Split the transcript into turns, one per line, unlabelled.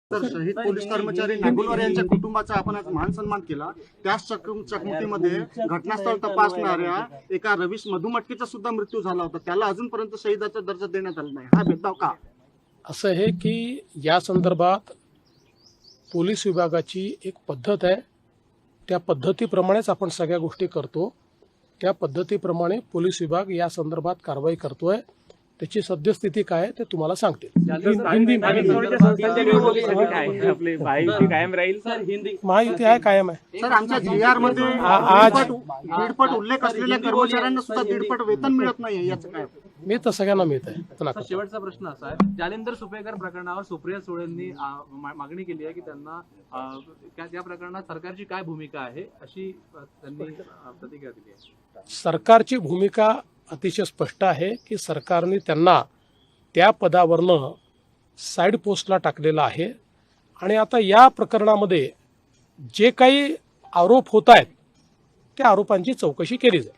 तर शहीद पोलीस कर्मचारी नागुलवार यांच्या कुटुंबाचा आपण आज मान सन्मान केला। त्याच चकमकीमध्ये घटनास्थळ तपासणाऱ्या एका रवीश मधुमटकेचा सुद्धा मृत्यू झाला होता, त्याला अजूनपर्यंत शहीदाचा दर्जा देण्यात आला नाही। हा भेदभाव का?
असं आहे की या संदर्भात पोलीस विभागाची एक पद्धत आहे, त्या पद्धतीप्रमाणेच आपण सगळ्या गोष्टी करतो। त्या पद्धतीप्रमाणे पोलीस विभाग या संदर्भात कारवाई करतोय। त्याची सद्यस्थिती काय आहे ते तुम्हाला सांगते। महायुती आहे, कायम आहे।
सर, आमच्या GR मध्ये
आज
दीडपट उल्लेख असलेल्या कर्मचाऱ्यांना सुद्धा दीडपट वेतन मिळत नाही, याचं काय?
मी तर सगळ्यांना मिळत आहे।
शेवटचा प्रश्न असा आहे, जालिंदर सुपेकर प्रकरणावर सुप्रिया सुळेंनी मागणी केली आहे की त्यांना त्या प्रकरणात सरकारची काय भूमिका आहे अशी त्यांनी प्रतिक्रिया दिली आहे।
सरकारची भूमिका अतिशय स्पष्ट आहे की सरकारने त्यांना त्या पदावरनं साईड पोस्टला टाकलेलं आहे आणि आता या प्रकरणामध्ये जे काही आरोप होत आहेत त्या आरोपांची चौकशी केली जाईल।